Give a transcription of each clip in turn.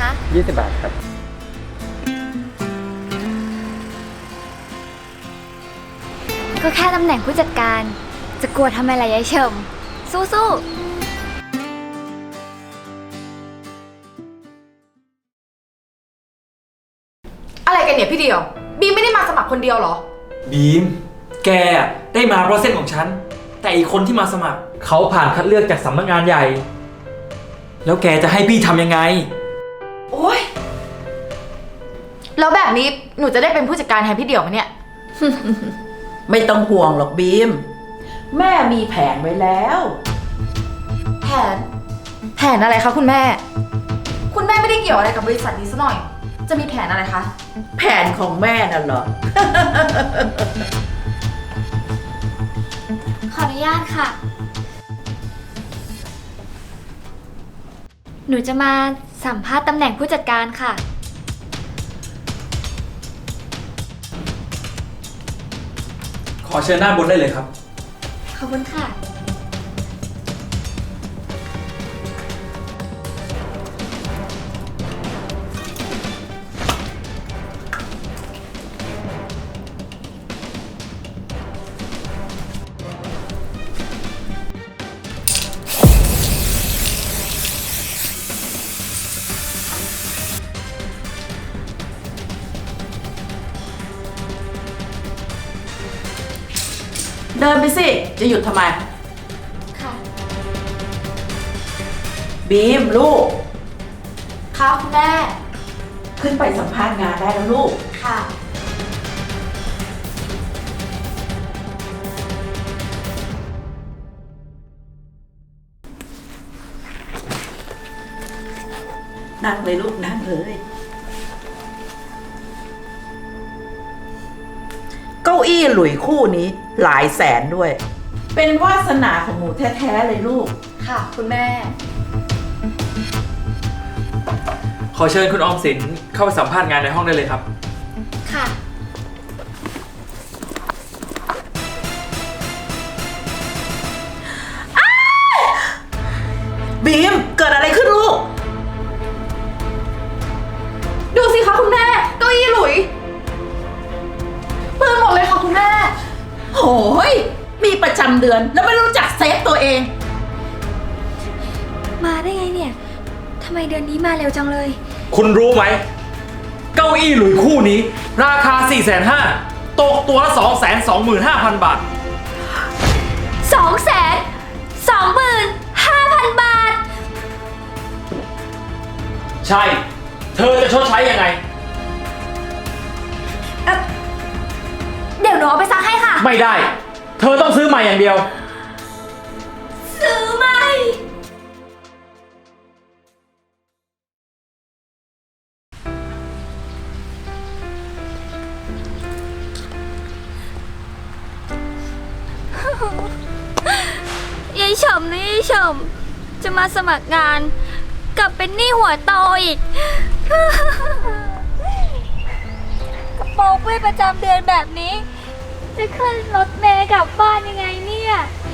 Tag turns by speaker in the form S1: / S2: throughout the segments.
S1: 20 บาทครับ
S2: ก็แค่ตำแหน่งผู้จัดการ จะกลัวทำไมล่ะยายเฉิมสู้ๆ
S3: อะไรกันเนี่ยพี่เดียวบีมไม่ได้มาสมัครคนเดียวเหรอ
S4: บีม แกได้มาเพราะเส้นของฉัน แต่อีกคนที่มาสมัครเขาผ่านคัดเลือกจากสำนักงานใหญ่ แล้วแกจะให้พี่ทำยังไง
S3: โอ๊ยแล้วแบบนี้หนูจะได้เป็นผู้จัดการแทนพี่เดียวไหมเนี่ย
S5: ไม่ต้องห่วงหรอกบีม แม่มีแผนไว้แล้ว
S3: แผนอะไรคะคุณแม่ คุณแม่ไม่ได้เกี่ยวอะไรกับบริษัทนี้ซะหน่อย จะมีแผนอะไรคะ
S5: แผนของแม่น่ะเหรอ
S2: ขออนุญาตค่ะ หนูจะมาสัมภาษณ์ตำแหน่งผู้จัดการค่ะ
S4: ขอเชิญหน้าบนได้เลยครับ
S2: ขอบคุณค่ะ
S5: เดินไปสิ จะหยุดทำไม
S2: ค่ะ
S5: บีมลูก
S3: คะคุณแม่
S5: ขึ้นไปสัมภาษณ์งานได้แล้วลูก
S3: ค่ะ
S5: นั่งเลยลูกนั่งเลย เก้าอี้หลุยคู่นี้หลายแสนด้วย เป็นวาสนาของหนูแท้ๆเลยลูก
S3: ค่ะคุณแม่
S4: ขอเชิญคุณออมสินเข้าไปสัมภาษณ์งานในห้องได้เลยครับ
S2: ค่ะ
S5: บีมเกิดอะไรขึ้นลูก
S3: ดูสิคะคุณแม่ เก้าอี้หลุยเปื้อนหมดเลยค่ะคุณแม่
S5: โหยมีประจำเดือนแล้วไม่รู้จักเซฟตัวเอง
S2: มาได้ไงเนี่ย ทำไมเดือนนี้มาเร็วจังเลย
S4: คุณรู้ไหม เก้าอี้หลุยคู่นี้ ราคา 450,000 ตกตัวละ 225,000 บาท
S2: 225,000 บาท
S4: ใช่ เธอจะชดใช้ยังไง
S2: เดี๋ยวหนูเอาไปซักให้ค่ะ
S4: ไม่ได้ เธอต้องซื้อใหม่อย่างเดียว
S2: ซื้อไหมยายเฉมนะยายเฉมจะมาสมัครงานกลับเป็นหนี้หัวโตอีก กระโปรงเพื่อนประจำเดือนแบบนี้ จะขึ้นรถเมล์กลับบ้านยังไงเนี่ย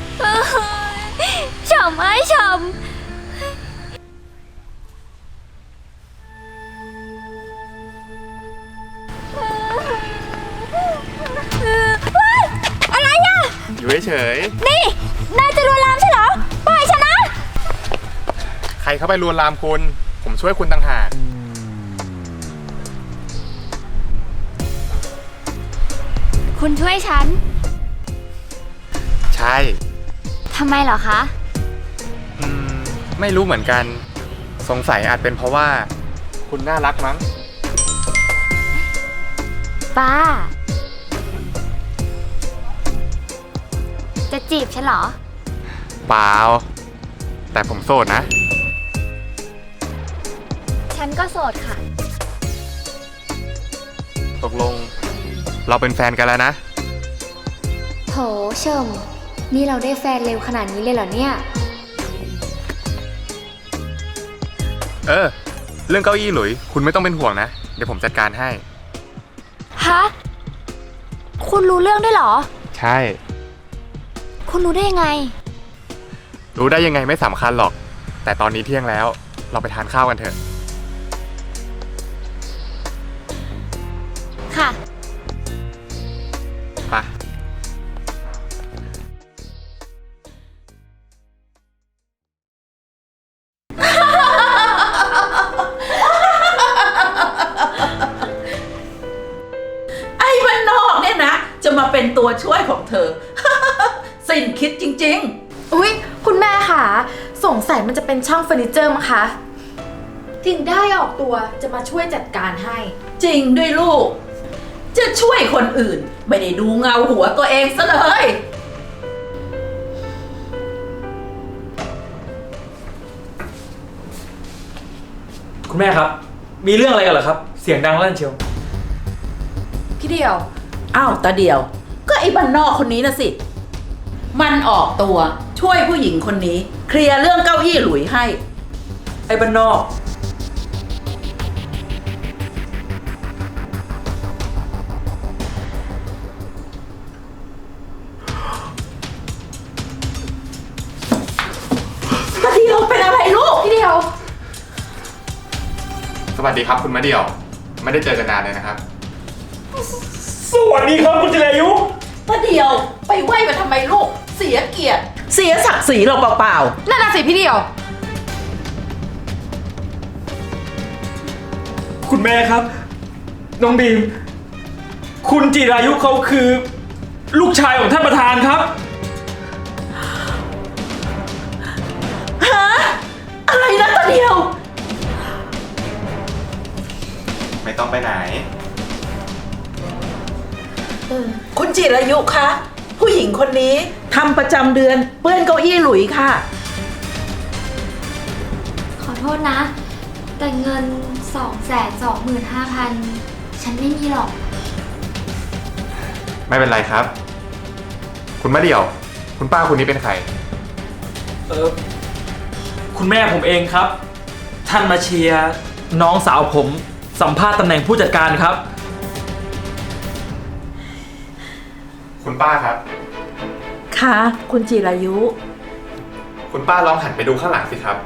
S2: เฉมไอ้เฉมอะไรอ่ะ
S6: อยู่เฉย
S2: นี่ นายจะลวนลามใช่เหรอ ปล่อยฉันนะ
S6: ๆใครเข้าไปลวนลามคุณ ผมช่วยคุณต่างหาก
S2: คุณช่วยฉัน
S6: ใช่
S2: ทำไมเหรอคะ
S6: อืมไม่รู้เหมือนกัน สงสัยอาจเป็นเพราะว่า คุณน่ารักมั้ง
S2: ป้า จะจีบฉันเหรอ
S6: เปล่า แต่ผมโสดนะ
S2: ฉันก็โสดค่ะ
S6: ตกลง เราเป็นแฟนกันแล้วนะ
S2: โถเชิมนี่เราได้แฟนเร็วขนาดนี้เลยเหรอเนี่ย
S6: เออ เรื่องเก้าอี้หลุย คุณไม่ต้องเป็นห่วงนะ เดี๋ยวผมจัดการให้
S2: ฮะ คุณรู้เรื่องด้วยเหรอ
S6: ใช่
S2: คุณรู้ได้ยังไง
S6: รู้ได้ยังไงไม่สำคัญหรอก แต่ตอนนี้เที่ยงแล้ว เราไปทานข้าวกันเถอะไป
S5: ไอ้บ้านนอกเนี่ยนะ จะมาเป็นตัวช่วยของเธอ สิ้นคิดจริง
S3: อุ๊ย คุณแม่ค่ะสงสัยมันจะเป็นช่างเฟอร์นิเจอร์มั้งคะถึงได้ออกตัวจะมาช่วยจัดการให้
S5: ๆ จริงด้วยลูก จะช่วยคนอื่น ไม่ได้ดูเงาหัวตัวเองซะเลย
S4: คุณแม่ครับ มีเรื่องอะไรกันเหรอครับ เสียงดังลั่นเชียว
S3: พี่เดียว
S5: อ้าวตาเดียว ก็ไอ้บ้านนอกคนนี้นะสิ มันออกตัวช่วยผู้หญิงคนนี้ เคลียร์เรื่องเก้าอี้หลุยให้
S4: ไอ้บ้านนอก
S5: ตาเดียวเป็นอะไรลูก
S3: พี่เดียว
S6: สวัสดีครับคุณมะเดี่ยว ไม่ได้เจอกันนานเลยนะครับ
S4: สวัสดีครับคุณจิรายุ
S5: ตาเดียวไปไหว้มาทำไมลูก เสียเกียรติ เสียศักดิ์ศรีเราเปล่า
S3: นั่นน่ะสิพี่เดียว
S4: คุณแม่ครับ น้องบีม คุณจิรายุเขาคือ ลูกชายของท่านประธานครับ
S5: ๆ ฮะ อะไรนะตาเดียว
S6: ไม่ต้องไปไหน
S5: คุณจิรายุคะ ผู้หญิงคนนี้ทำประจำเดือนเปื้อนเก้าอี้หลุยค่ะ
S2: ขอโทษนะ แต่เงิน 225,000 ฉันไม่มีหรอก
S6: ไม่เป็นไรครับ คุณมะเดี่ยว คุณป้าคนนี้เป็นใคร
S4: คุณแม่ผมเองครับ ท่านมาเชียร์น้องสาวผมสัมภาษณ์ตำแหน่งผู้จัดการครับ
S6: คุณป้าครับ
S5: ค่ะ คุณจิรายุ
S6: คุณป้าลองหันไปดูข้างหลังสิครับ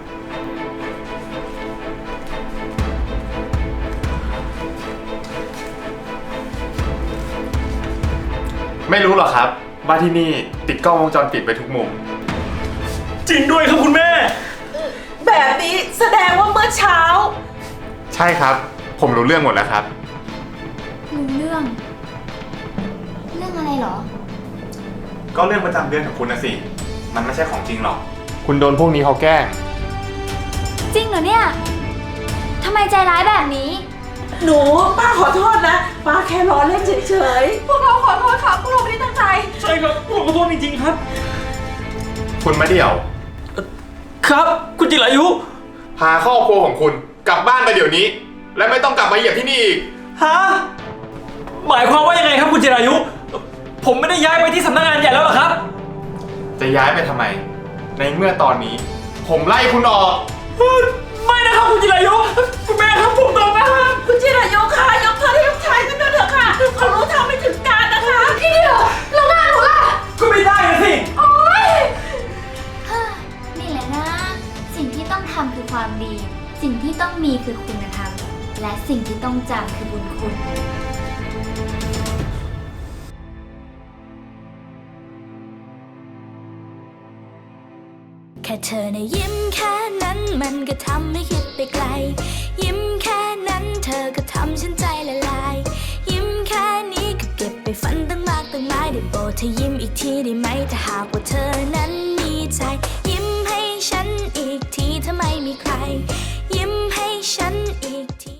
S6: ไม่รู้หรอครับว่าที่นี่ติดกล้องวงจรปิดไปทุกมุม
S4: จริงด้วยครับคุณแม่
S5: แบบนี้แสดงว่าเมื่อเช้า
S6: ใช่ครับ ผมรู้เรื่องหมดแล้วครับ
S2: รู้เรื่อง เรื่องอะไรเหรอ
S6: ก็เรื่องประจำเดือนของคุณนะสิ มันไม่ใช่ของจริงหรอก คุณโดนพวกนี้เขาแกล้ง
S2: จริงเหรอเนี่ย ทำไมใจร้ายแบบนี้
S5: หนูป้าขอโทษนะ ป้าแค่ล้อเล่นเฉย
S3: พวกเราขอโทษค่ะพวกเราไม่ได้ตั้งใจ
S4: ใช่ครับผมขอโทษจริงๆครับ
S6: คุณมะเดี่ยว
S4: ครับ คุณจิรายุ
S6: พาครอบครัวของคุณกลับบ้านไปเดี๋ยวนี้ และไม่ต้องกลับมาเหยียบที่นี่อีก
S4: ฮะ หมายความว่ายังไงครับคุณจิรายุ ผมไม่ได้ย้ายไปที่สำนักงานใหญ่แล้วเหรอครับ
S6: จะย้ายไปทำไม ในเมื่อตอนนี้ ผมไล่คุณออก
S4: ไม่นะครับคุณจิรายุ คุณแม่ครับผมตอบนะครับ
S5: ๆ คุณจิรายุค่ะยกโทษให้ลูกชายกันด้วยเถอะค่ะเขารู้เท่าไม่ถึงการนะคะ
S3: พี่เดียวแล้วงานหนูล่ะ
S4: ก็ไม่ได้นะสิ
S3: โอ๊ย
S2: นี่แหละนะ สิ่งที่ต้องทำคือความดี สิ่งที่ต้องมีคือคุณธรรม และสิ่งที่ต้องจำคือบุญคุณ
S1: แค่เธอนะยิ้มแค่นั้นมันก็ทำให้คิดไปไกล ยิ้มแค่นั้นเธอก็ทำฉันใจละลาย ยิ้มแค่นี้ก็เก็บไปฝันตั้งมากตั้งหลายได้โปรดเธอยิ้มอีกทีได้ไหมถ้าหากว่าเธอนั้น